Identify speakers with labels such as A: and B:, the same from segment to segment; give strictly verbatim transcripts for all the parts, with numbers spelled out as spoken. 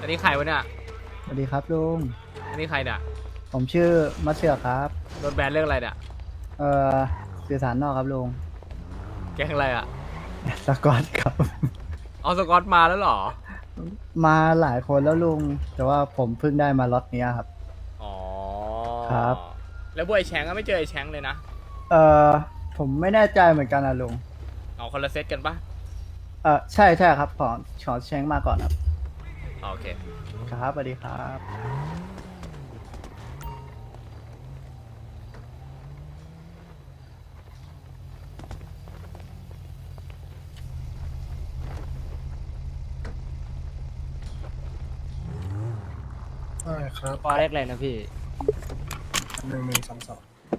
A: นี้ใครวะเนี่ย
B: สวัสดีครับลุง
A: อันนี้ใครเนี่ย
B: ผมชื่อมัตเสือครับ
A: โดนแบนเรื่องอะไรเนี่ย
B: เอ่อสื่อสารนอกครับลุง
A: แก๊งอะไรอ่ะ
B: สกอตครับ
A: เอาสกอตมาแล้วเหรอ
B: มาหลายคนแล้วลุง แต่ว่าผมเพิ่งได้มาล็อตเนี้ยครับ
A: อ๋อ
B: ครับ
A: แล้วบวยแชงก็ไม่เจอไอ้แชงเลยนะ
B: เอ่อผมไม่แน่ใจเหมือนกันนะลุง
A: เอาคนละเซตกันปะ
B: เอ่อใช่ใช่ครับขอขอแชงมาก่อนครับ
A: อ๋อโอเค
B: ครับสวัสดีครับ
C: ใช่ครับ
D: ปอเล็กเลยนะพี่
C: หนึ่งหนึ่งสองสอง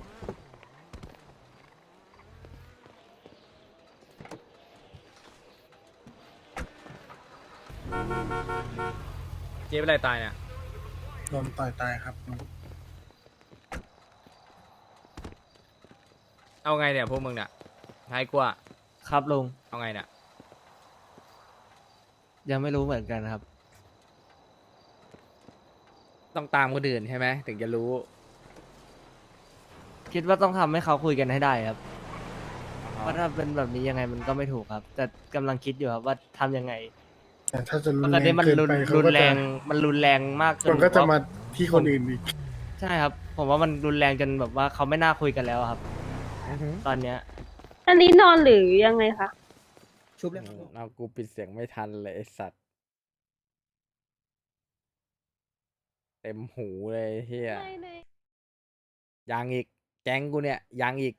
A: เจ๊เป็นไรตายเนี่ย
C: โดนต่อยตายครับ
A: เอาไงเนี่ยพวกมึงเนี่ยท้ายกว่า
D: ครับลุง
A: เอาไงเนี่ย
D: ยังไม่รู้เหมือนกันครับ
A: ต้องตามคนอื่นใช่ไหมถึงจะรู้
D: คิดว่าต้องทำให้เขาคุยกันให้ได้ครับเพราะถ้าเป็นแบบนี้ยังไงมันก็ไม่ถูกครับ แต่กำลังคิดอยู่ครับว่าทำยังไง
C: แต่ถ้าจะรุ
D: เพ
C: น
D: ราะต
C: แร
D: อนนี้
C: ง
D: มัน
C: เกิน
D: รุน
C: ไปเขา
D: รุน
C: ก็
D: แร
C: จะ
D: งมันรุนแรงมากจ
C: มัน นก็จะ
D: ว่
C: มาที่คนอื่นอีก
D: ใช่ครับ ผมว่ามันรุนแรงจนแบบว่าเขาไม่น่าคุยกันแล้วครับ ตอนเนี้ย
E: อันนี้นอนหรือยังไงคะ
B: ชุบเลย
A: เอากูปิดเสียงไม่ทันเลยไอสัตว์ เต็มหูเลยเฮียยังอีก แก๊งกูเนี่ยยังอีก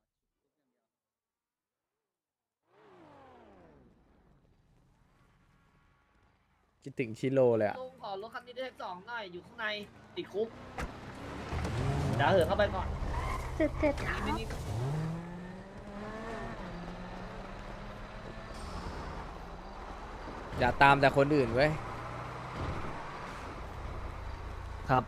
A: คิดถึงชิโร่เลยอะ
F: ลุงขอรถคันนี้ได้สองหน่อย อยู่ข้างในติดคุกเดี๋ยวเหินเข้าไปก่อน
E: เจ็ดเจ็ดครับ
F: ไม่นี่
A: อย่าตามแต่คนอื่นเว้ย
D: ครับ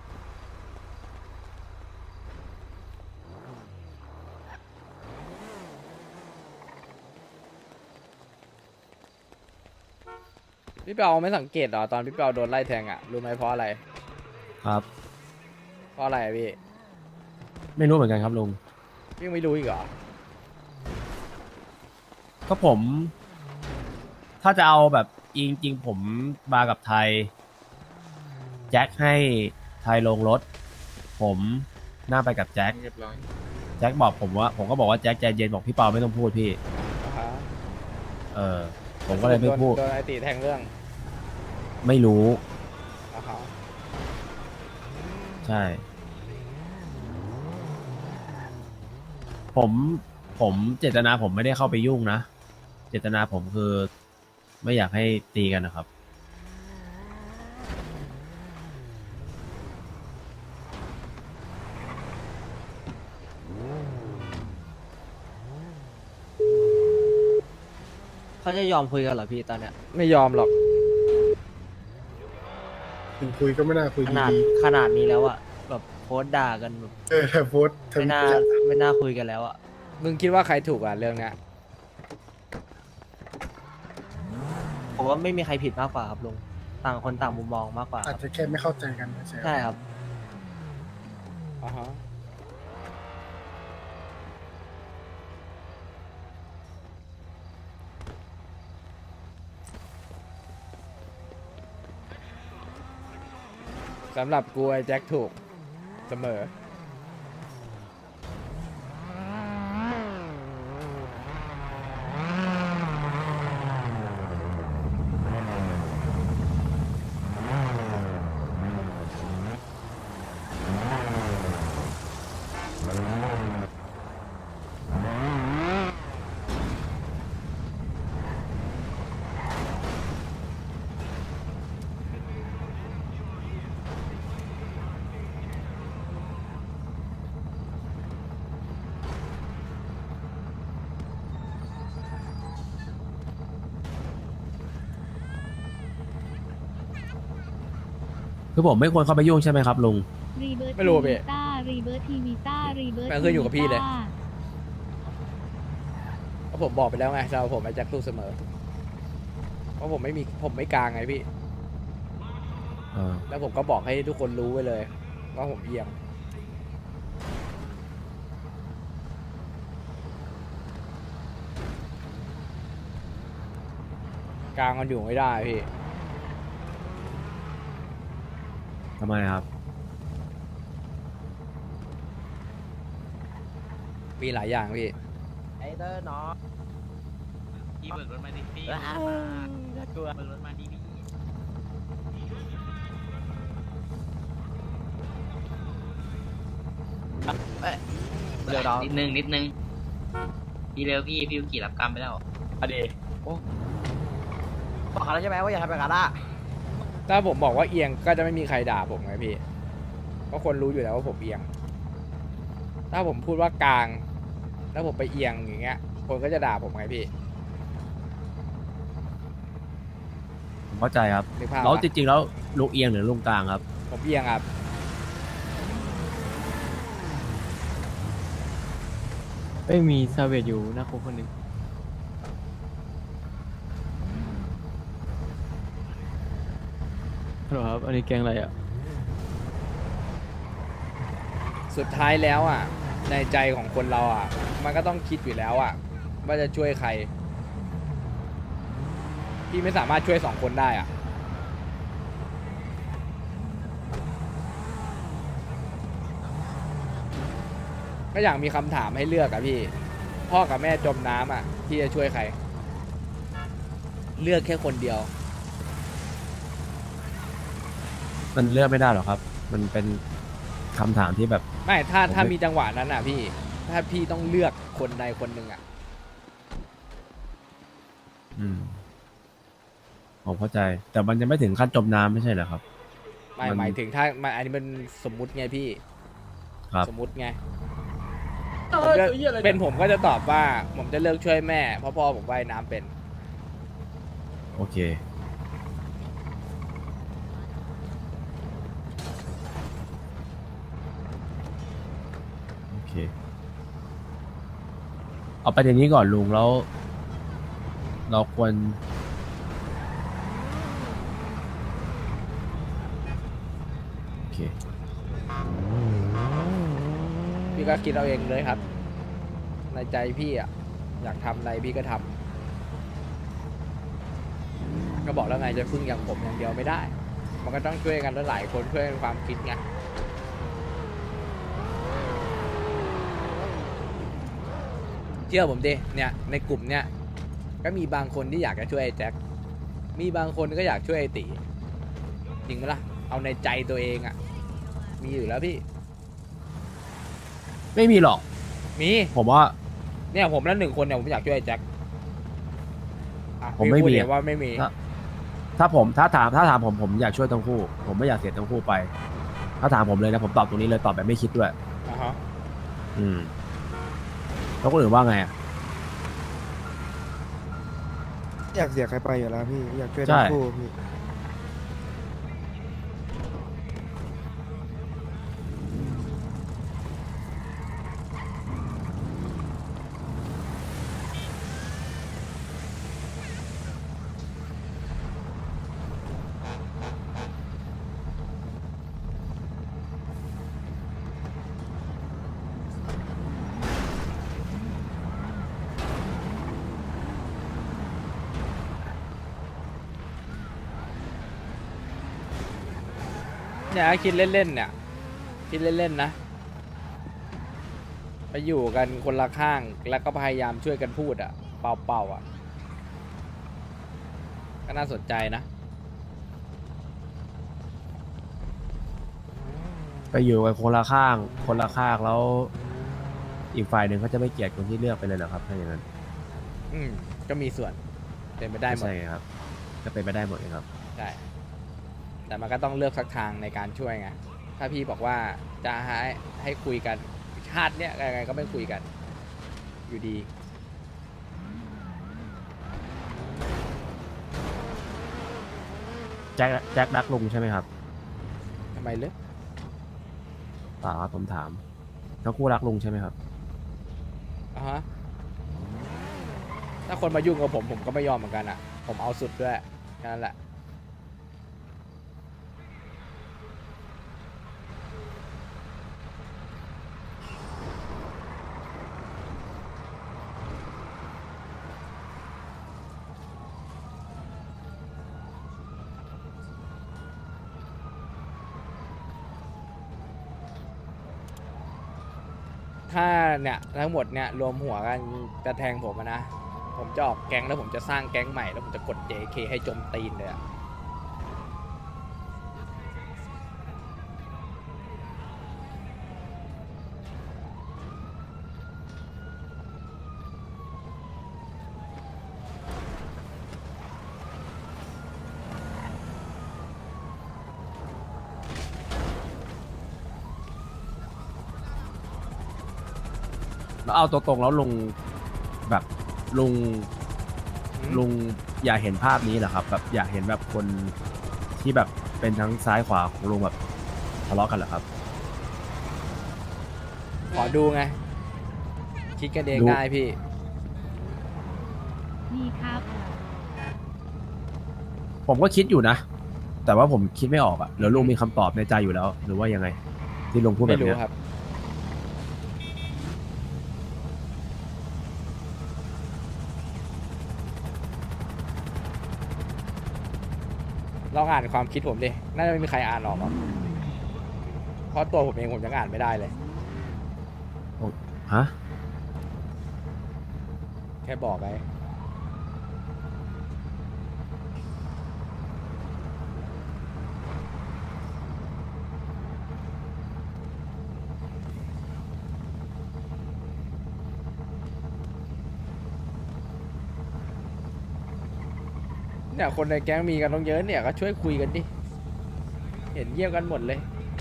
A: พี่เปาไม่สังเกตเหรอตอนพี่เปาโดนไล่แทงอ่ะรู้ไหมเพราะอะไร
G: ครับ
A: เพราะอะไรอะพี่
G: ไม่รู้เหมือนกันครับลุง
A: พี่ยังไม่รู้อีกเหรอ
G: ก็ผม ถ้าจะเอาแบบจริงๆผมมากับไทย แจ็คให้ไทยลงรถ ผมนั่งไปกับแจ็คแจ็คบอกผมว่า ผมก็บอกว่าแจ็คใจเย็นบอกพี่เปาไม่ต้องพูดพี่
A: อ่าฮะ
G: เออ ผมก็เลยไม่พูด
A: โดนโดนไอตีแทงเรื่อง
G: ไม่รู้
A: อ่าฮะ
G: ใช่ ผมผมเจตนาผมไม่ได้เข้าไปยุ่งนะ เจตนาผมคือไม่อยากให้ตีกันนะครับ
D: เขาจะยอมคุยกันเหรอพี่ตอนเนี้ย
A: ไม่ยอมหรอก
C: ถึงคุยก็ไม่น่าคุย
D: ขนาด
C: ดี
D: ขนาดนี้แล้วอะแบบโพสต์ด่ากันแบบ
C: ๆเออแต่โพสต์
D: ไม่น่า
C: ทำ
D: ไม่น่าคุยกันแล้วอะ
A: มึงคิดว่าใครถูกอ่ะเรื่องเนี้ย
D: ผมว่าไม่มีใครผิดมากกว่าครับลุง ต่างคนต่างมุมมองมากกว่าค
C: อาจ
D: รับ
C: จะแค่ไม่เข้าใจกันใช่ไหม
D: ใช่ครับ
A: อ่าฮะสำหรับกูไอ้แจ็คถูกเสมอ
G: คือผมไม่ควรเข้าไปยุ่งใช่ไหมครับลุง
A: ไม่รู้อะพี่
H: ต้ารีเบิร์ทีวีต้ารีเบิร์
A: แม่งขึ้นอยู่กับพี่เลย เพราะผมบอกไปแล้วไงสำหรับผมไอ้แจ็คถูกเสมอ เพราะผมไม่มีผมไม่กลางไงพี่
G: อ่า
A: แล้วผมก็บอกให้ทุกคนรู้ไว้เลยว่าผมเอียงกลางมันอยู่ไม่ได้พี่
G: ทำไมครับ
A: มีหลายอย่างพี่
I: ไอเตอร์เนาะ
F: พี่เบิกรถมาดิพี่
I: น่ากลัว
F: เบิกรถมาดิพี่
I: เดี๋ยวน้อง
F: นิดนึงนิดนึงพี่เร็วพี่พี่กี่รับกรรมไปแล้ว
I: อดีโอ้บอกเขาแล้วใช่ไหมว่าอย่าทำแบบนั้นอ่ะ
A: ถ้าผมบอกว่าเอียงก็จะไม่มีใครด่าผมไงพี่ เพราะคนรู้อยู่แล้วว่าผมเอียง ถ้าผมพูดว่ากลาง แล้วผมไปเอียงอย่างเงี้ย คนก็จะด่าผมไงพี่
G: ผมเข้าใจครับ
A: นึกภาพ
G: แล้ว
A: ปะ
G: จริงๆแล้วลุงเอียงหรือลุงกลางครับ
A: ผมเอียงครับ
D: ไม่มีซาเวตอยู่หน้าคุกคนหนึ่งฮัลโหลครับ อันนี้แกงอะไรอ่ะ
A: สุดท้ายแล้วอ่ะ ในใจของคนเราอ่ะ มันก็ต้องคิดอยู่แล้วอ่ะ ว่าจะช่วยใคร พี่ไม่สามารถช่วยสองคนได้อ่ะ ก็อย่างมีคำถามให้เลือกอะพี่ พ่อกับแม่จมน้ำอ่ะ พี่จะช่วยใคร เลือกแค่คนเดียว
G: มันเลือกไม่ได้หรอกครับ มันเป็นคำถามที่แบบ
A: ไม่ถ้า
G: ผมไม่
A: ถ้ามีจังหวะนั้นอ่ะพี่ ถ้าพี่ต้องเลือกคนใดคนหนึ่งอ่ะ
G: อืมผมเข้าใจ แต่มันยังไม่ถึงขั้นจมน้ำไม่ใช่เหรอครับ
A: ไม่
G: มัน
A: หมายถึงถ้ามันอันนี้มันสมมุติไงพี่
G: ครับ
A: สมมุติไงผมจะเป็นผมก็จะตอบว่า ผมจะเลือกช่วยแม่ เพราะพ่อผมว่ายน้ำเป็น
G: โอเค โอเค เอาประเด็นนี้ก่อนลุงแล้ว เราควร โอเค
A: พี่ก็คิดเอาเองเลยครับ ในใจพี่อ่ะ อยากทำอะไรพี่ก็ทำก็บอกแล้วไงจะพึ่งอย่างผมอย่างเดียวไม่ได้ มันก็ต้องช่วยกันหลายๆคนช่วยกันความคิดไงเชื่อผมดิเนี่ยในกลุ่มเนี่ยก็มีบางคนที่อยากจะช่วยไอ้แจ็คมีบางคนก็อยากช่วยไอ้ตีจริงไหมล่ะเอาในใจตัวเองอ่ะมีอยู่แล้วพี่
G: ไม่มีหรอก
A: มี
G: ผมว่า
A: เนี่ยผมแล้วหนึ่งคนเนี่ยผมอยากช่วยไอ้แจ็คอ่ะ
G: ผมไม่
A: พี่พูด
G: มี
A: เลย
G: อะ
A: ว่าไม่มี
G: ถ้า ถ้าผมถ้าถามถ้าถามผมผมอยากช่วยทั้งคู่ ผมไม่อยากเสียทั้งคู่ไป ถ้าถามผมเลยนะผมตอบตรงนี้เลยตอบแบบไม่คิดด้วย
A: อ่าฮะ
G: อืมแล้วคนอื่นว่าไงอ่ะ
J: อยากเสียใครไปอยู่แล้วพี่ อยากช่วย
G: ใช่
J: ทั้งคู่พี่
A: เนี่ยคิดเล่นๆเนี่ยคิดเล่นๆนะไปอยู่กันคนละข้างแล้วก็พยายามช่วยกันพูดอ่ะ เป่าๆอ่ะก็น่าสนใจนะ
G: ไปอยู่กันคนละข้าง คนละข้างแล้ว อีกฝ่ายหนึ่งเขาจะไม่เกลียดคนที่เลือกไปเลยเหรอครับถ้าอย่างนั้น
A: อืมก็มีส่วนเป็นไปได้หมด
G: ใช่ไงครับ ก็เป็นไปได้หมดเลยครับ
A: ใช่แต่มันก็ต้องเลือกสักทางในการช่วยไงถ้าพี่บอกว่าจะให้ให้คุยกันชาติเนี้ยยังไงก็ไม่คุยกัน อยู่ดี
G: แจ็คแจ็ครักลุงใช่ไหมครับ
A: ทำไมเลือก
G: เปล่าครับผมถาม ทั้งคู่รักลุงใช่ไหมครับ
A: อ่ะฮะถ้าคนมายุ่งกับผมผมก็ไม่ยอมเหมือนกันอ่ะ ผมเอาสุดด้วยแค่นั้นแหละถ้าเนี่ยทั้งหมดเนี่ยรวมหัวกันจะแทงผมอะนะ ผมจะออกแก๊งแล้วผมจะสร้างแก๊งใหม่แล้วผมจะกด เจ เค ให้จมตีนเลยอะ
G: แล้วเอาตัวตรงแล้วลุงแบบลุงลุงอยากเห็นภาพนี้เหรอครับ แบบอยากเห็นแบบคนที่แบบเป็นทั้งซ้ายขวาของลุงแบบทะเลาะกันเหรอครับ
A: ขอดูไง คิดกันเอง
G: ดู
A: ได้พี่
H: ดีครับ
G: ผมก็คิดอยู่นะ แต่ว่าผมคิดไม่ออกอะหรือลุงมีคำตอบในใจอยู่แล้ว หรือว่ายังไง ที่ลุงพูดแบ
A: ไม่
G: บ
A: รู้
G: เนี้ย
A: ครับ ลองอ่านความคิดผมดิ น่าจะไม่มีใครอ่านออกหรอกเพราะตัวผมเองผมยังอ่านไม่ได้เลย
G: ฮะ
A: แค่บอกไงเนี่ยคนในแก๊งมีกันต้องเยอะเนี่ยก็ช่วยคุยกันดิ เห็นเยี่ยมกันหมดเลย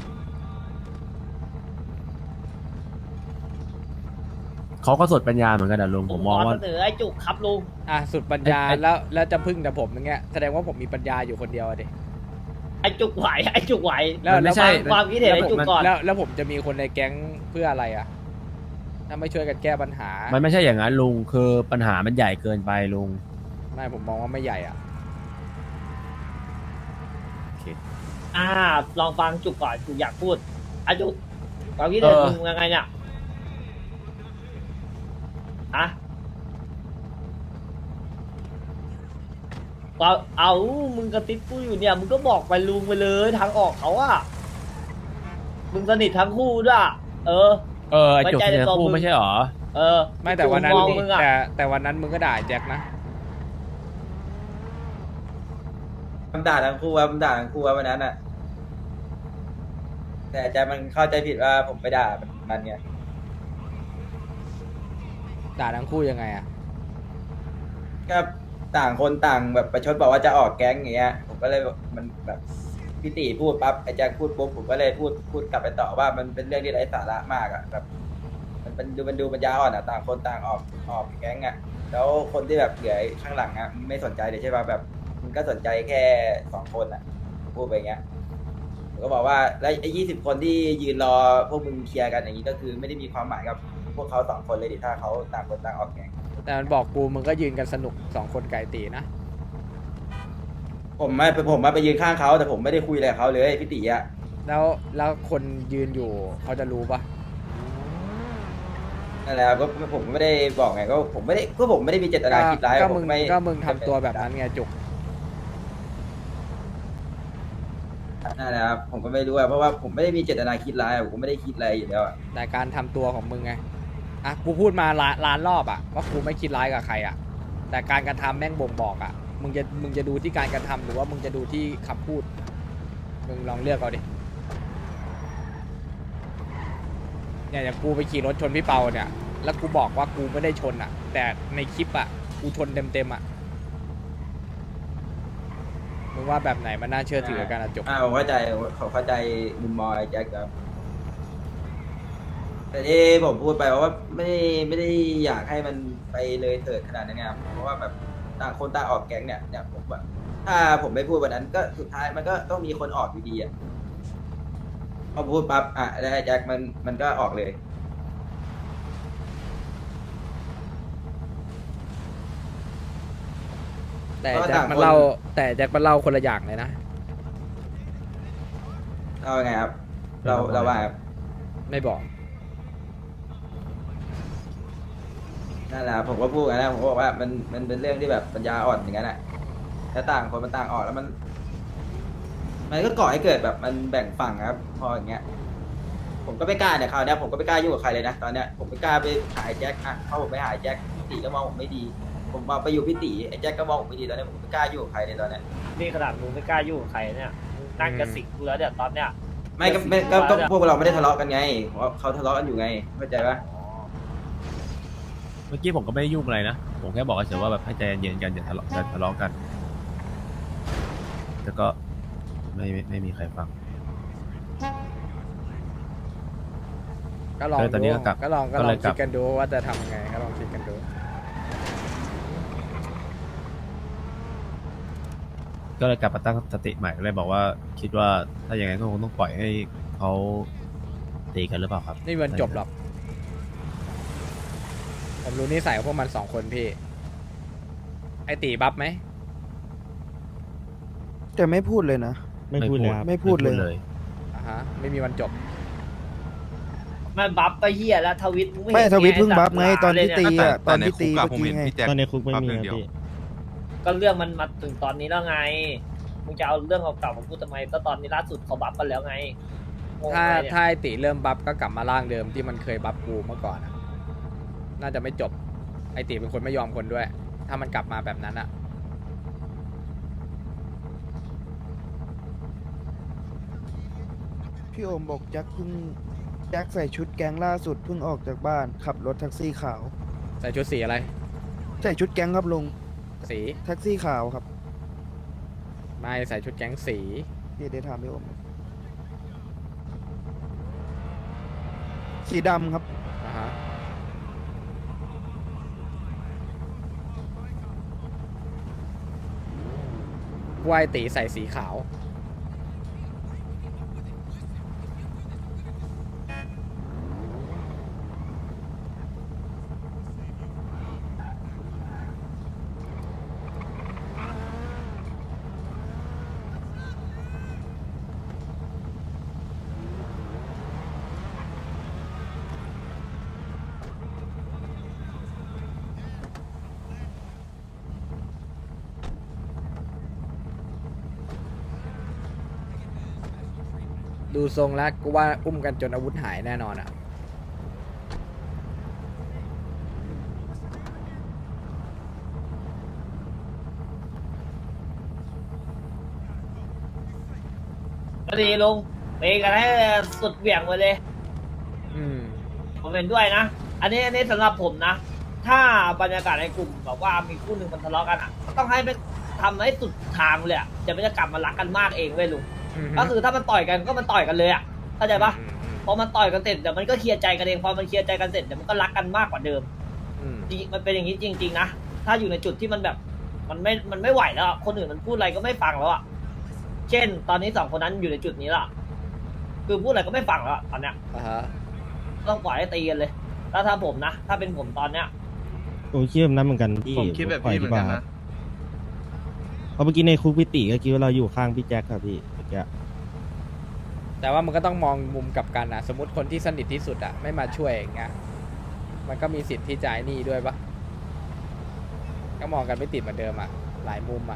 G: เขาก็สดปัญญาเหมือนกันนะลุงผมมองว่า
F: ขเสนอไอ้จุกครับลุง
A: อ่ะสุดปัญญา
G: ไอ้ไอ้
A: แล้วแล้วจะพึ่งแต่ผมอย่างเงี้ยแสดงว่าผมมีปัญญาอยู่คนเดียวอะดิ
F: ไอ้จุกไหวไอ้จุกไหว
A: แล้ว
G: มันไม่ใช่
F: ความความคิดเห็นไอ้จุกก่อน
A: แล้วแล้วผมจะมีคนในแก๊งเพื่ออะไรอ่ะ ถ้าไม่ช่วยกันแก้ปัญหา
G: มันไม่ใช่อย่างนั้นลุงคือปัญหามันใหญ่เกินไปลุง
A: ไม่ผมมองว่าไม่ใหญ่อ่ะ
F: อ่า ลองฟังจุกก่อนจุกอยากพูดไอ้จุกความคิดเห็น
G: เออ
F: มึงยังไงเนี่ยอะเอาเอามึงกระติบกูอยู่เนี่ย มึงก็บอกไปลุงไปเลยทางออกเขาอะมึงสนิททั้งคู่ด้วยอะเออ
G: เออไอ้จุก
F: ไว้ใจใน
G: เนี่ย
F: ตัว
G: คู่
F: มึง
G: ไม่ใช่หรอ
F: เออ
A: ไม่แต่วันนั้น
F: จุกมองมึงอะ
A: แต่แต่วันนั้นมึงก็ด่าแจ็คนะ
I: มันด่าทั้งคู่ว่ามันด่าทั้งคู่ว่าวันนั้นอ่ะ แต่อาจารย์มันเข้าใจผิดว่าผมไปด่ามันมันไง
A: ด่าทั้งคู่ยังไงอ่ะ
I: ก็ต่างคนต่างแบบประชดบอกว่าจะออกแก๊งอย่างเงี้ย ผมก็เลยบอกมันแบบพี่ตีพูดปั๊บไอ้แจ็คพูดปุ๊บผมก็เลยพูดพูดกลับไปต่อว่ามันเป็นเรื่องที่ไร้สาระมากอ่ะแบบ มันเป็นดูมันดูปัญญาอ่อนอ่ะต่างคนต่างออกออกแก๊งอ่ะแล้วคนที่แบบเหลือข้างหลังอ่ะไม่สนใจเลยใช่ป่ะแบบมันก็สนใจแค่สองคนอ่ะพูดไปอย่างเงี้ยผมก็บอกว่าแล้วไอ้ยี่สิบคนที่ยืนรอพวกมึงเคลียร์กันอย่างนี้ก็คือไม่ได้มีความหมายกับพวกเขาสองคนเลยดิถ้าเขาต่างคนต่างออกแก๊ง
A: แต่มันบอกกูมึงก็ยืนกันสนุกสองคนไก่ตีนะ
I: ผมไม่ผมมาไปยืนข้างเขาแต่ผมไม่ได้คุยอะไรกับเขาเลยพี่ตีอ่ะ
A: แล้วแล้วคนยืนอยู่เขาจะรู้ปะ
I: นั่นแหละครับก็ผมไม่ได้บอกไงก็ผมไม่ได้ก็ผมไม่ได้มีเจตนาคิดร้าย
A: ก็มึ
I: ผ
A: ง
I: ไม่
A: ก็มึงทำตัวแบบนั้นไงจุก
I: นั่นแหละครับผมก็ไม่รู้อะเพราะว่าผมไม่ได้มีเจตนาคิดร้ายอะผมก็ไม่ได้คิดอะไรอยู่แล้วอะ
A: แต่การทำตัวของมึงไง อ่ะกูพูดมาล้านล้านรอบอ่ะว่ากูไม่คิดร้ายกับใครอ่ะ แต่การกระทำแม่งบ่งบอกอ่ะ มึงจะมึงจะดูที่การกระทำหรือว่ามึงจะดูที่คำพูด มึงลองเลือกเอาดิ เนี่ยอย่างกูไปขี่รถชนพี่เปาเนี่ย แล้วกูบอกว่ากูไม่ได้ชนอ่ะ แต่ในคลิปอ่ะกูชนเต็มเต็มๆอ่ะ มึงว่าแบบไหนมันน่าเชื่อถือกันอ่ะจบ
I: อ่าผมเข้าใจผมเข้าใจมุมมองไอ้แจ็คครับแต่ที่ผมพูดไปว่าไม่ได้ไม่ได้อยากให้มันไปเลยเถิดขนาดนั้นไงครับเพราะว่าแบบต่างคนต่างออกแก๊งเนี่ยเนี่ยผมแบบถ้าผมไม่พูดวันนั้นก็สุดท้ายมันก็ต้องมีคนออกอยู่ดีอ่ะพอพูดปั๊บอ่ะแล้วไอ้แจ็คมันมันก็ออกเลย
A: แต่
I: เพราะ
A: แจ็ค
I: ต่างคน
A: มันเล่าแต่แจ็คมันเล่าคนละอย่างเลยนะ
I: เอาไงครับ เราเราว่าครับ
A: ไม่บอก
I: นั่นแหละผมก็พูดกันนะผมก็บอกว่ามันมันเป็นเรื่องที่แบบปัญญาอ่อนอย่างนั้นแหละถ้าต่างคนมันต่างออกแล้วมัน มันก็ก่อให้เกิดแบบมันแบ่งฝั่งครับ พออย่างเงี้ยผมก็ไม่กล้าเนี่ยคราวเนี้ยผมก็ไม่กล้ายุ่งกับใครเลยนะตอนเนี้ยผมไม่กล้าไปหาไอ้แจ็คอ่ะเพราะผมไปหาไอ้แจ็คพี่ตีก็มองผมไม่ดี ผมมาไปอยู่พี่ตีไอ้แจ็คก็มองผมไม่ดีตอนเนี้ยผมไม่กล้ายุ่งกับใครเลยตอนเนี้ย
F: นี่ขนาดมึงไม่กล้ายุ่งกับใครเนี่ยมึงนั่งกระสิกกูแล้วเนี่ยตอนเนี้ย
I: ไม่ก็ไม่ก็ก็พวกเราไม่ได้ทะเลาะกันไงเพราะเขาทะเลาะกันอยู่ไงเข้าใจปะ
G: เมื่อกี้ผมก็ไม่ได้ยุ่งอะไรนะ ผมแค่บอกเฉยๆว่าแบบให้ใจเย็นๆกันอย่าทะเลาะอย่าทะเลาะกัน แล้วก็ไม่ไม่ไม่มีใครฟัง
A: ก็ลอง
G: เออตอนนี้
A: ดู
G: ก็กลับ
A: ก็ลองก็
G: ก็
A: ล
G: เล
A: อง
G: ยกลั
A: คิ
G: บ
A: ดกันดูว่าจะทำยังไงก็ลองคิดกันดู
G: ก็เลยกลับมาตั้งสติใหม่ก็เลยบอกว่าคิดว่าถ้าอย่างไงก็คงต้องปล่อยให้เขาตีกันหรือเปล่าครับ
A: นี่มันจบหรอกผมรู้นิสัยของพวกมันสองคนพี่ ไอตีบัฟไหม
J: แต่ไม่พูดเลยนะ
G: ไม่พูดเลยครับ
J: ไม่พูดเลย
A: อ่าฮะไม่มีวันจบ
F: มันบัฟไปเหี้ยแล้วทวิตง
J: ไม่
F: เห็น
J: ทวิตเพิ่ง
F: ไง
J: บัฟไงตอนที่ตี
F: แต่
J: อ่ะตอนที่ตี
K: แต่
J: เมื่อ
K: ในคุกอะผม
J: กี้
K: เห็น
J: ไง
K: พี่แจ็ค
L: ตอนในคุกไม่มี
K: ปั๊บ
L: ครับ
K: เดียว
L: พี่
F: ก็เรื่องมันมาถึงตอนนี้แล้วไงมึงจะเอาเรื่องเก่าๆมาพูดทำไมก็ตอนนี้ล่าสุดเขาบัฟกันแล้วไงงง
A: ถ้า
F: ไหมเนี่ย
A: ถ้าไอตีเริ่มบัฟก็กลับมาร่างเดิมที่มันเคยบัฟกูเมื่อก่อนอะน่าจะไม่จบ ไอตีเป็นคนไม่ยอมคนด้วย ถ้ามันกลับมาแบบนั้นอะ
J: พี่โอมบอกแจ็คเพิ่งแจ็คใส่ชุดแก๊งล่าสุดเพิ่งออกจากบ้านขับรถแท็กซี่ขาว
A: ใส่ชุดสีอะไร
J: ใส่ชุดแก๊งครับลุง
A: สี
J: แท็กซี่ขาวครับ
A: ไม่ใส่ชุดแก๊งสี
J: เดี๋ยวเดี๋ยวถามพี่โอมสีดำครับ
A: อ่าฮะวายตีใส่สีขาว ดูทรงแล้วกูว่าอุ้มกันจนอาวุธหายแน่นอนอ่ะ
F: ก็ดีลุงเตะกันให้สุดเหวี่ยงไปเลย
A: อืม
F: ผมเห็นด้วยนะ อันนี้อันนี้สำหรับผมนะ ถ้าบรรยากาศในกลุ่มแบบว่ามีคู่หนึ่งมันทะเลาะกันอ่ะก็ต้องให้ไปทำให้สุดทางเลยอ่ะจะไม่จะกลับมารักกันมากเองเว้ยลุง ก็คือถ้ามันต่อยกันก็มันต่อยกันเลยอ่ะเข้าใจปะพอมันต่อยกันเสร็จเดี๋ยวมันก็เคลียร์ใจกันเองพอมันเคลียร์ใจกันเสร็จเดี๋ยวมันก็รักกันมากกว่าเดิม
A: อืม
F: จริงมันเป็นอย่างนี้จริงๆนะถ้าอยู่ในจุดที่มันแบบมันไม่มันไม่ไหวแล้วอะคนอื่นมันพูดอะไรก็ไม่ฟังแล้วอ่ะเช่น ตอนนี้สองคนนั้นอยู่ในจุดนี้ละคือพูดอะไรก็ไม่ฟังแล้วอะตอนเนี้ย
A: อ่าฮะ
F: ต้องปล่อยให้ตีกันเลยถ้าถ้าผมนะถ้าเป็นผมตอนเนี้ย
L: ผมคิดแบบนั้นเหมือนกันพี่
K: ผมคิดแบบพี่เหมือนกันนะ
L: เพราะเมื่อกี้ในคุกพี่ติก็คิดว่าเราอยู่ข้างพี่แจ็คครับพี่เมื่อกี้
A: แต่ว่ามันก็ต้องมองมุมกลับกันนะสมมติคนที่สนิทที่สุดอะไม่มาช่วยอย่างเงี้ยมันก็มีสิทธิ์ที่จะไอ้นี่ด้วยปะก็มองกันไม่ติดเหมือนเดิมอะหลายมุมอะ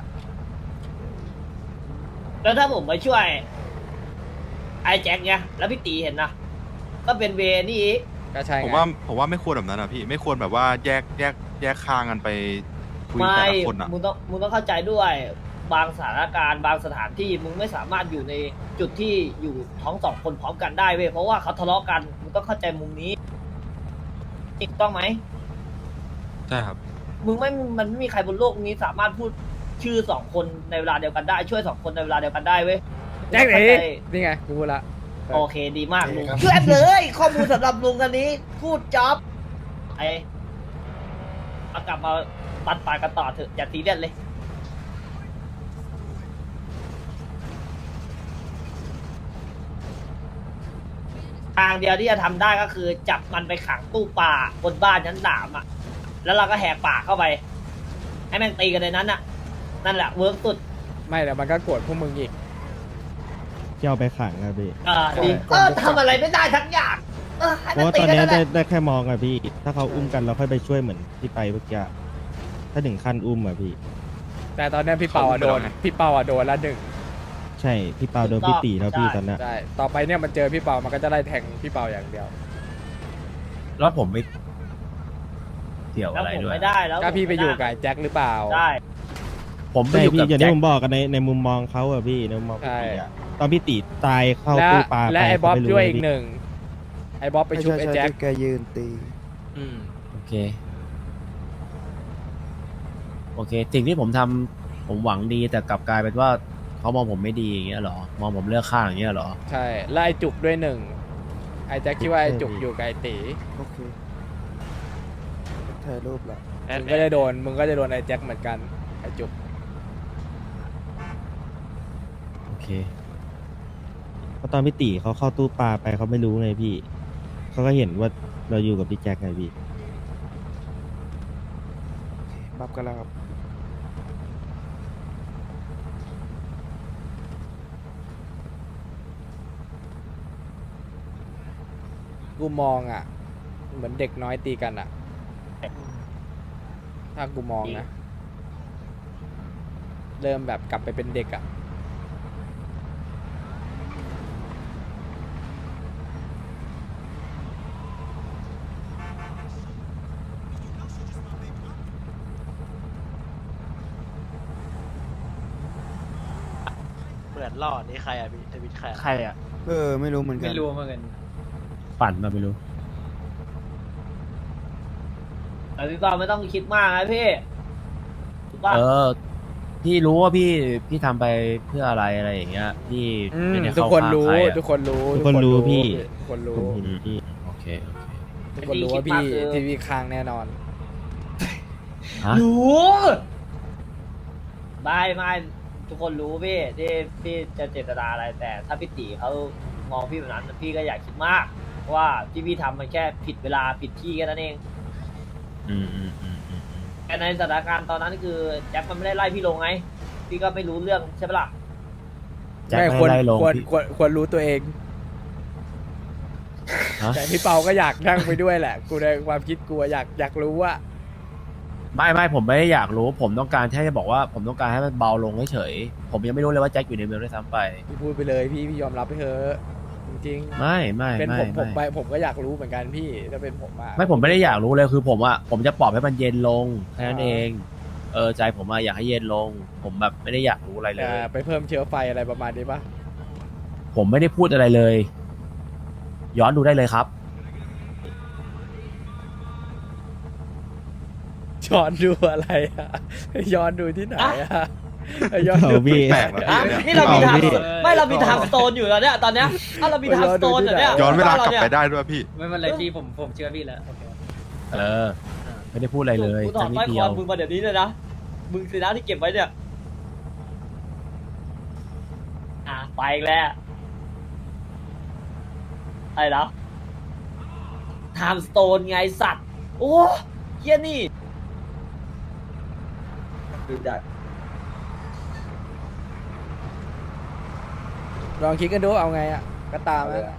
F: แล้วถ้าผมไปช่วยไอ้แจ็คเนี่ยแล้วพี่ตีเห็นนะก็เป็นเวนี่อีก
A: ก็ใช่ไง
K: ผมว่าผมว่าไม่ควรแบบนั้นนะพี่ไม่ควรแบบว่าแยกแยกแยกข้างกันไปคุย
F: ไม่
K: แต่ละคนอ่ะ
F: มึงต้องมึงต้องเข้าใจด้วยบางสถานการณ์บางสถานที่มึงไม่สามารถอยู่ในจุดที่อยู่ท้องสองคนพร้อมกันได้เว้ยเพราะว่าเขาทะเลาะกันมึงต้องเข้าใจมุมนี้ถูกต้องไหม
K: ใช่ครับ
F: มึงไม่มันไม่มีใครบนโลกนี้สามารถพูดชื่อสองคนในเวลาเดียวกันได้ช่วยสองคนในเวลาเดียวกันได้เว้ย
A: แจ็ค
F: เข้า
A: เอ๋
F: ใจ
A: นี่ไงกูพูดละ
F: โอเคดีมากลุง
C: ครับ
F: ช่วยเลย ข้อมูลสำหรับลุงอันนี้ พูดจ็อบไอ้เอากลับมาตัดปากกันต่อเถอะอย่าตีเล่นเลย ทางเดียวที่จะทำได้ก็คือจับมันไปขังตู้ป่าบนบ้านชั้นสามอ่ะ แล้วเราก็แหกป่าเข้าไป ให้แม่งตีกันในนั้นอ่ะ นั่นแหละเวิร์กสุด
A: ไม่แต่มันก็โกรธพวกมึงอีก
L: ที่เอาไปขังครับพี่
F: เออดีเออทำอะไรไม่ได้ทั้งอย่างเออให้
L: เพ
F: มัน
L: ราะว่า
F: ตี
L: ตอน
F: กัน
L: นี้
F: นั่นแห
L: ได้
F: ละ
L: ได้แค่มองอะพี่ ถ้าเขาอุ้มกันเราค่อยไปช่วยเหมือนที่ไปเมื่อกี้ถ้าถึงขั้นอุ้มอะพี่
A: แต่ตอนเนี้ยพี่เปาอะโดน พี่เปาอะโดนละหนึ่ง
L: ใช่พี่เปาโดนพี่ตีแล้วพี่ตอนนั้น
A: ใช่ต่อไปเนี่ยมันเจอพี่เปามันก็จะไล่แทงพี่เปาอย่างเดียว
G: แล้วผมไม่เกี่ยว
F: แล้ว
G: อะไร
F: ผม
G: ด้วย
F: ไม่ได้แล้ว
A: ถ้าพี่ไปอยู่กับไอ้แจ็คหรือเปล่า
F: ใช่
G: ผมไป
L: ใช่
G: อยู่
L: พี่
G: กับ
L: อย่าง
G: แจ็
L: ที่
G: ค
L: ผมบอกกันในในมุมมองเขาอะพี่ในมุมมองพี่ตีอะตอนพี่ตีตายเข้า
A: และ
L: ตู้ปลา
A: และ
L: ไป
A: ไอ้บ๊อบ
L: เขาม่รู้
A: ด้วย
L: เลย
A: อีก
L: พี่
A: หนึ่งไอ้บ๊อบไปชุบไอ้
J: ใช่
A: แจ็ค
J: ที่แกยืนตี
A: อืม
G: โอเค โอเค สิ่งที่ผมทำผมหวังดีแต่กลับกลายเป็นว่าเขามองผมไม่ดีอย่างเงี้ยเหรอ มองผมเลือกข้างอย่างเงี้ยเหรอ
A: ใช่แล้วไอ้จุกด้วยหนึ่งไอ้แจ็คคิดว่าไอ้จุกอยู่กับไอ้ตี
J: โอเคถ่ายรูปละ
A: มึงก็จะโดนมึงก็จะโดนไอ้แจ็คเหมือนกันไอ้จุก
G: โอเค
L: เพราะตอนพี่ตีเขาเข้าตู้ปลาไปเขาไม่รู้ไงพี่เขาก็เห็นว่าเราอยู่กับพี่แจ็คไงพี่
J: บับกันแล้วครับ
A: กูมองอ่ะ เหมือนเด็กน้อยตีกันอ่ะ ถ้ากูมองนะ เริ่มแบบกลับไปเป็นเด็กอ่ะ
D: เหมือนหล่อนี่ใครอ่ะพี่เดวิดใครใครอ่ะ
J: เออ ไม่รู้เหมือนกัน
D: ไม่รู้เหมือนกัน
G: ปั่นมาไม่รู้
F: แต่พี่เปาไม่ต้องคิดมากนะพี่ถูกป่ะ
G: เออ พี่รู้ว่าพี่พี่ทำไปเพื่ออะไรอะไรอย่างเงี้ย พี่
A: อืม
G: ไม่ได้
A: ทุก
G: เข้า
A: คน
G: ข้าง
A: รู้
G: ใครอะ
A: ทุกคนรู้
L: ทุกคนรู้พี่
A: ทุกคนรู้
L: ผมเห็นพี่
G: โอเคโอเค
A: ทุกคนรู้ว่าพี่ทีวีค้างแน่นอน
G: ฮะ
F: รู้ไม่ไม่ทุกคนรู้พี่ที่พี่จะเจตนาอะไรแต่ ถ้าพี่ตีเขามองพี่แบบนั้นพี่ก็อยากคิดมากเพราะว่าที่พี่ทำมันแค่ผิดเวลาผิดที่แค่นั้นเอง
G: อืมอืมอืมอืม
F: แต่ในสถานการณ์ตอนนั้นคือแจ็คมันไม่ได้ไล่พี่ลงไง พี่ก็ไม่รู้เรื่องใช่ปะล่ะ
G: แจ็ค
A: ไม่
G: ไม่
A: ควร
G: ได้ไล่ลง
A: ควร
G: พี่
A: ควรควรรู้ตัวเอง
G: ฮะ
A: แต่พี่เปาก็อยากนั่งไปด้วยแหละ กูในความคิดกูอะอยากอยากรู้ว่า
G: ไม่ไม่ผมไม่ได้อยากรู้ ผมต้องการแค่จะบอกว่าผมต้องการให้มันเบาลงเฉยๆผมยังไม่รู้เลยว่าแจ็คอยู่ในเมืองด้วยซ้ำไป
A: พี่พูดไปเลยพี่พี่ยอมรับไปเถอะจริง
G: ไม่ไม่
A: ๆเป็น
G: ไม่
A: ผมผมไป
G: ไม่
A: ผมก็อยากรู้เหมือนกันพี่ถ้าเป็นผมอะ
G: ไม่ผมไม่ได้อยากรู้เลยคือผมอะผมจะปลอบให้มันเย็นลงแค่นั้น
A: อ่า
G: เองเออใจผมอะอยากให้เย็นลง ผมแบบไม่ได้อยากรู้อะไรเล
A: แต่
G: ย
A: ไปเพิ่มเชื้อไฟอะไรประมาณนี้ปะ
G: ผมไม่ได้พูดอะไรเลย ย้อนดูได้เลยครับ
A: ย้อนดูอะไรอะย้อนดูที่ไหนอะย้อนดู
L: เอาพี่
K: แปลกว่ะ
F: อ่ะ
K: พี่เนี่ย
F: นี่เรามีทาง
L: เอาพี่
F: ไม่เรามีทางสโตนอยู่แล้วเนี่ยตอนเนี้ยถ้าเรามีทางสโตนอยู่เนี่ย
K: ย้อนเวลากลับ
F: นี่ย
K: ไปได้ด้วยพี่
D: ไม่เป็นไรพี่ผมผมเชื่อพี่แล้ว
G: เออ ไม่ได้พูดอะไรเลย
F: กูถอ
G: สั
F: ด
G: กนิ
F: สร้
G: ด
F: อย
G: เดี
F: ค
G: ย
F: อ
G: ว
F: มึงมาเดี๋ยวนี้เลยนะ มึงสินะที่เก็บไว้เนี่ย อ่ะไปอีกแล้วไอ้แล้วไทม์สโตนไงสัตว์ โอ้เฮียนี่
I: ดูจัด
A: ลองคิดกันดูเอาไงอะก็ตามนะ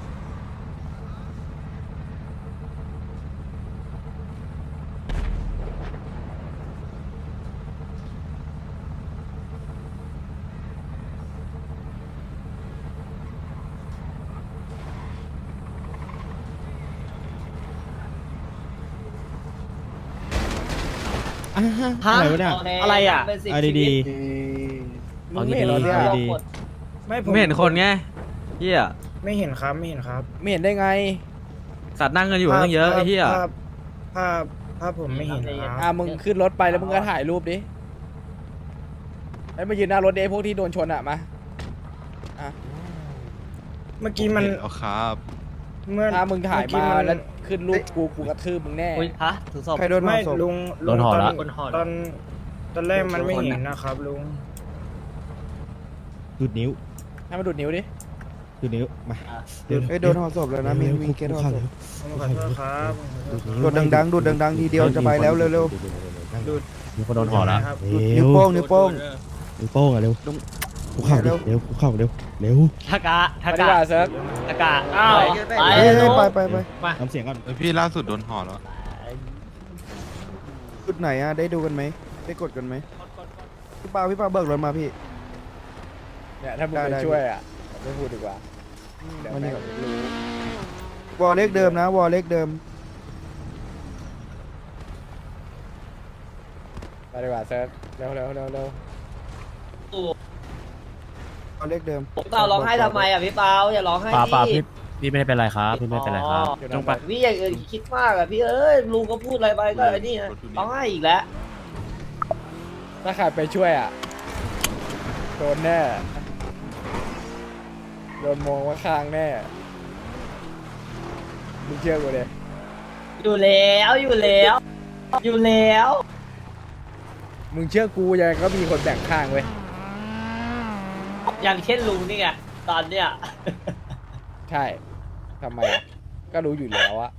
L: อ่ะฮะอะไรวะเนี่ย
D: อะไรอะ
F: เป็นสิ่ง
L: เอา
F: ชีวิ
L: ดี
F: ต
A: มึงไม่เห็นเหรอเนี่ย
L: เอาดี
J: ไม่ผม
D: ไม่เห็นคนไงเฮีย
J: ไม่เห็นครับ ไม่เห็นครับ
A: ไม่เห็นได้ไง
D: สัตว์นั่งกันอยู่ตั้งเยอะไอ้เฮีย
J: ภาพภาพภาพผมไม่เห็นค
A: อ่ะ
J: รับ
A: มึงขึ้นรถไปแล้วมึงก็ถ่ายรูปดิไอ้ยมายืนหน้ารถดิไอ้พวกที่โดนชนอะมาอ่ะ
J: เมื่อกี้มัน
K: เห็นแล้วครับ
J: เมื่อ
A: ถ้ามึงถ่าย
J: เอกี้
A: มาน แล้วขึ้นรูปกูกูกระทืบมึงแน่
D: ฮะถือศพ
J: ใครโดนไม่ลุง
G: โดนห่อละ
J: ตตอนตอนแรกมันไม่เห็นนะครับลุง
L: ดูดนิ้ว
A: ให้มาดูดนิ้วดิ
L: ดูดนิ้วมา
J: เอ้ยโดนห่อศพแล้วนะมีมีเคสห่อศพ
L: ผม
J: ขอโทษครับ
L: ดู
J: ดูดดังๆดูดดังๆทีเดียวจะไปแล้วเร็ว
L: ๆ
J: ดูด
G: มีคนโดนห่อแล้ว
J: ครับ
L: เร็
J: นิ้ว
L: ว
J: โป้งนิ้วโป้ง
L: นิ้วโป้งอ่ะเร็ว
J: ลุง
L: คุกเข่า
J: เร็
L: เร็
J: ว
L: วเร็วคุกเข่าเร็วเร็ว
D: ทากะทา
A: มาดี
D: กะ
A: กว่าเซิร์ฟ
D: ทากะ
F: อ้าว
D: ไป
F: ไป
J: เอ้ย
F: เลย
J: ไปไปไป
D: มา
L: ทำเสียงก่อน
K: เฮ้ยพี่ล่าสุดโดนห่อแล้ว
J: จุดไหนอะได้ดูกันไหมได้กดกันไหมพี่ปาพี่ปาเบิกรถมาพี่
A: เนี่ยถ้ามึง
J: ได้
A: ไป
J: ได้
A: ช่วยอ่ะไม่พูดดีกว่าเดี๋ยว
J: มัน
A: แม่
J: นี่
A: งรู้
J: วอลเล็กเดิมนะ วอลเล็กเดิม
A: ไปดีกว่าเซิร์ฟเร็วเร็วเร็วเร็ว
J: วอลเล็กเดิม
F: พี่เปาร้องไห้ทำไมอ่ะพี่เปาอย่าร้องไห้
G: ป่าป่า
F: ดิ
G: พี่พี่ไม่ได้เป็นไรครับพี่ไม่ได้เป็นไรครับ
F: อ๋อพี่อย่างอื่นคิดมากอ่ะพี่เอ้ยลุงก็พูดอะไรไปก็ไอ้นี่นะร้องไห้อีกแล้ว
A: ถ้าใครไปช่วยอ่ะโดนแน่โดนมองว่าข้างแน่มึงเชื่อกูเลย
F: อยู่แล้วอยู่แล้วอยู่แล้ว
A: มึงเชื่อกูยังไงก็มีคนแบ่งข้างเว้ย
F: อย่างเช่นลุงนี่ไงตอนเนี้ย
A: ใช่ทำไมอะก็รู้อยู่แล้วอะ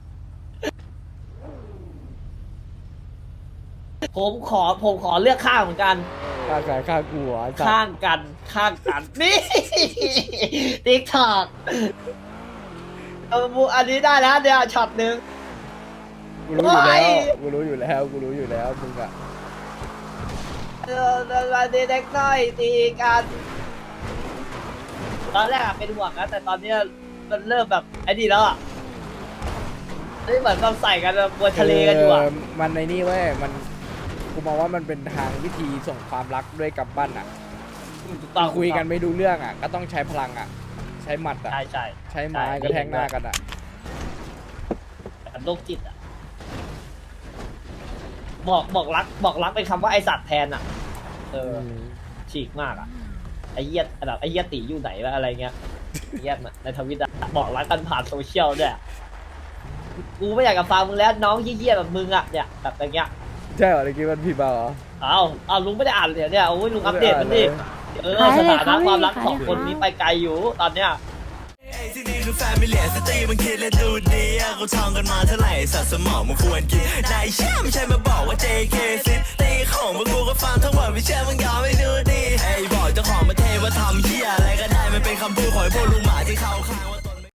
F: ผมขอผมขอเลือกข้างเหมือนกัน
A: ข้างใครข้างกูเหรอไอ้สัตว์
F: ข้างกันข้างกันนี่ติ๊กถอกเออมูอันนี้ได้แล้วเดี๋ยวช็อตหนึ่ง
A: กูรู้อยู่แล้ว
F: โอ้ย
A: กูรู้อยู่แล้วกูรู้อยู่แล้วมึงอะ
F: เออเด็กเด็กน้อยตีกันตอนแรกอะเป็นห่วงนะแต่ตอนเนี้ยมันเริ่มแบบไอ้นี่แล้วอะนี่เหมือนเราใส่กันแบบบนทะเลกันอยู่อะ
A: เมันในนี่เว้ยมันกูมองว่ามันเป็นทางวิธีส่งความรักด้วยกำปั้นอะ
F: ถูกต้อง
A: คุยกันไม่ดูเรื่องอะก็ต้องใช้พลังอะใช้หมัดอะ
F: ใช่ใช่
A: ใช้ไม้กระแทกหน้ากันอะ
F: แต่โรคจิตอะบอกบอกรักบอกรักเป็นคำว่าไอสัตว์แทนอะเออฉีกมากอะไอเหี้ยแบบไอเหี้ยตีอยู่ไหนวะอะไรเงี้ยไอ้เหี้ยในทวิตอะบอกรักกันผ่านโซเชียลเนี่ยกูไม่อยากกับฟังมึงแล้วน้องเหี้ยๆแบบมึงอะเนี่ยแบบอย่างเงี้ย
A: ใช่เหรอเมื่อกี้มันผิดเปล่าเหรอ
F: อ้าวอ้าวลุงไม่ได้อ่านเลยเนี่ยโอ้ยลุงอัปเดตมันดิเออสถานะความรักของคนนี้ไปไกลอยู่ตอนเนี้ย
M: ที่นี่คือแฟมิเลียสตรีมันคิดและดูดีอะเขาท่องกันมาเท่าไหร่สัตว์สมองมันควรกินนายเชื่อไม่ใช่มาบอกว่า เจ เค ซิตีของพวกกูก็ฟังทั้งหมดไม่เชื่อมึงยอมไม่ดูดีไอ้บอกเจ้าของประเทศว่าทำเหี้ยอะไรก็ได้มันเป็นคำพูดของไอ้พวกลุงหมาที่เขาขาย